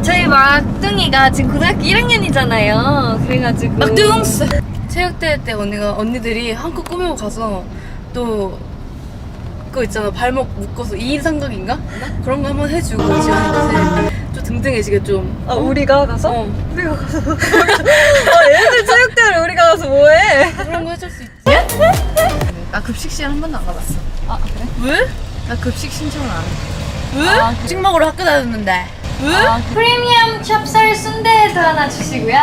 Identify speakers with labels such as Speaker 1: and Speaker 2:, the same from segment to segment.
Speaker 1: 저희 막둥이가 지금 고등학교 1학년이잖아요. 그래가지고
Speaker 2: 막둥스 체육대회 때 언니들이 한껏 꾸미고 가서 또 그거 있잖아, 발목 묶어서 2인 삼각인가? 그런 거 한번 해주고 지원이한테 좀 등등해지게 좀.
Speaker 1: 우리가 가서?
Speaker 2: 우리가 가서
Speaker 1: 얘들 체육대회를 우리가 가서 뭐해?
Speaker 2: 그런 거 해줄 수 있지? 나 급식 시간 한 번도 안 가봤어.
Speaker 1: 아 그래?
Speaker 2: 왜? 나 급식 신청을 안 해. 왜? 급식 먹으러 학교 다녔는데. 왜?
Speaker 1: 프리미엄 찹쌀 순대도 하나 주시고요.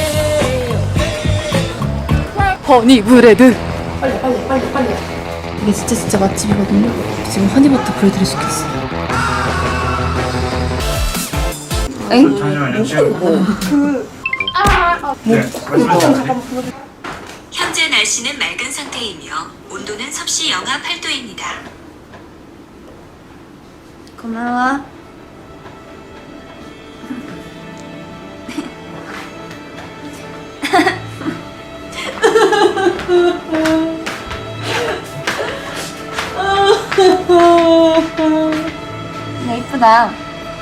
Speaker 2: 허니 브레드. 빨리. 이게 진짜 맛집이거든요. 지금 허니버터 브레드를 시켰어. 엥?
Speaker 3: 현재 날씨는 맑은 상태이며 온도는 섭씨 영하 8도입니다.
Speaker 1: 고마워. 예쁘다.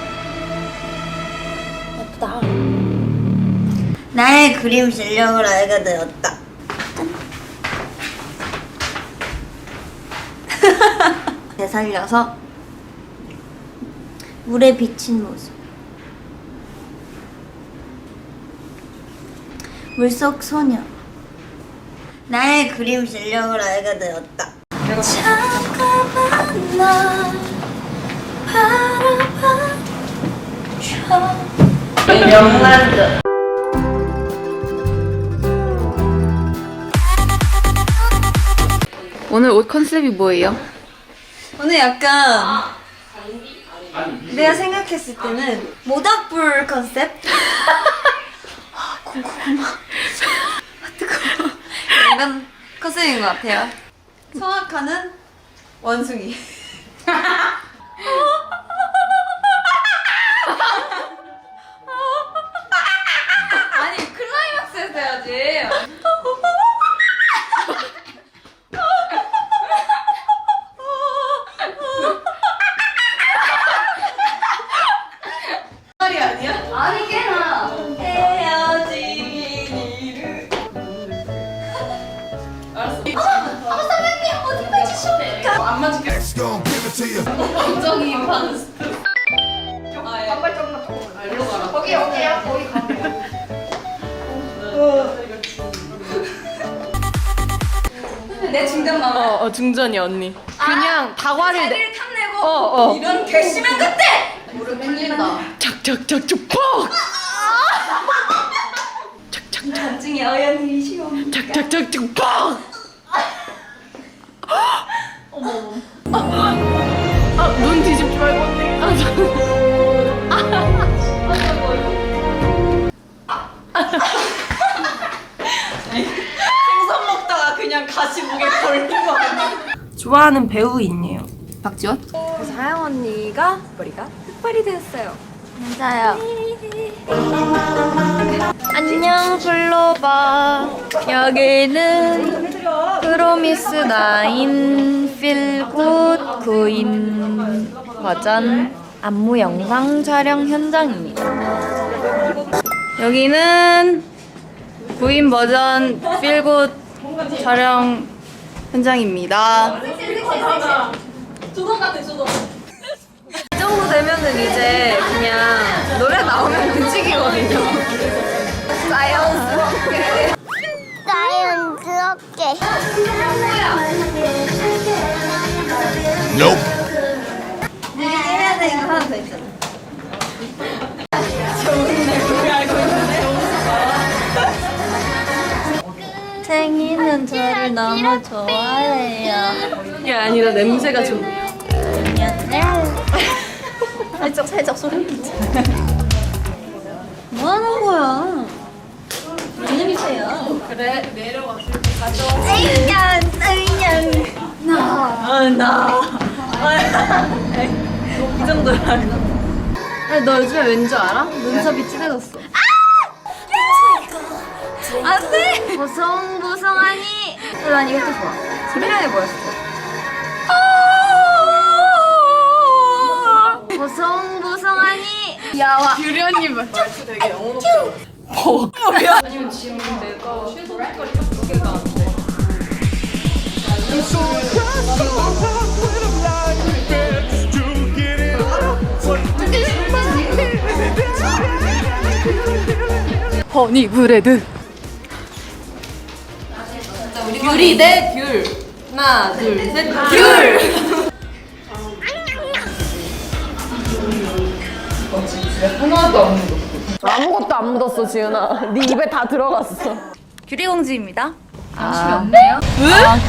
Speaker 4: 나의 그림 실력을 알게 되었다. 되살려서 물에 비친 모습. 물속 소녀. 나의 그림 실력을 알게 되었다. 잠깐만 나 바라봐줘. 명란젓.
Speaker 2: 오늘 옷 컨셉이 뭐예요?
Speaker 4: 오늘 약간 내가 생각했을 때는 모닥불 컨셉? 고구마 뜨거워 이런 컨셉인 것 같아요. 성악하는 원숭이.
Speaker 1: 아니 클라이막스에서 해야지. 아니 꽤나.
Speaker 4: 헤어지기를.
Speaker 1: 선생님 어디 가주십니까? 안 맞을게. 감정이 반스. 반발적나 더. 일로 가라. 거기야 거기 가면. 내 중간 나와.
Speaker 2: 중전이 언니. 그냥 다과를
Speaker 1: 자기를 탐내고 이런 괘씸한 것들! 무릎 꿇린다.
Speaker 2: 착착착착 퍽! 착착착
Speaker 4: 나중에 어연이 시험.
Speaker 2: 착착착착 퍽! 눈 뒤집지 말고 언니.
Speaker 4: 생선 먹다가 그냥 가시 목에 걸린 거 아니야?
Speaker 2: 좋아하는 배우인이에요. 박지원?
Speaker 1: 그래서 하영 언니가 머리가 흑발이 되었어요.
Speaker 4: 맞아요.
Speaker 1: 안녕 블로바. 여기는 프로미스 나인 필굿 구인 버전 안무 영상 촬영 현장입니다. 여기는 구인 버전 필굿 촬영 현장입니다. 이 정도 되면은 이제 그냥 노래 나오면 움직이거든요. 자연스럽게.
Speaker 4: 자연스럽게. 해야 되는 거 하나 더 있잖아. 생이는 저를 너무 좋아해요.
Speaker 2: 이게 아니라 냄새가 좀.
Speaker 4: 살짝 소름 끼쳐. 뭐 하는 거야? 냄새야.
Speaker 2: 그래, 내려왔을 때 가져.
Speaker 4: 이 정도야.
Speaker 1: 너 요즘에 왠 줄 알아? 눈썹이 진해졌어.
Speaker 4: 안 돼! 보송보송하니.
Speaker 1: 난 이것도 좋아. 소리랑해 보였어.
Speaker 4: 보송보송하니. 보송하니?
Speaker 2: 유리 언니 말투 되게 영혼없어. 아니면 지금 내가 섀도우 색깔이 딱 두 개가 안 돼. 허니 브레드. 귤이 대 귤. 하나, 둘, 셋. 귤.
Speaker 5: 아무것도 안 묻었어, 지은아. 네 입에 다 들어갔어.
Speaker 4: 규리공주입니다.
Speaker 1: 관심이 없네요.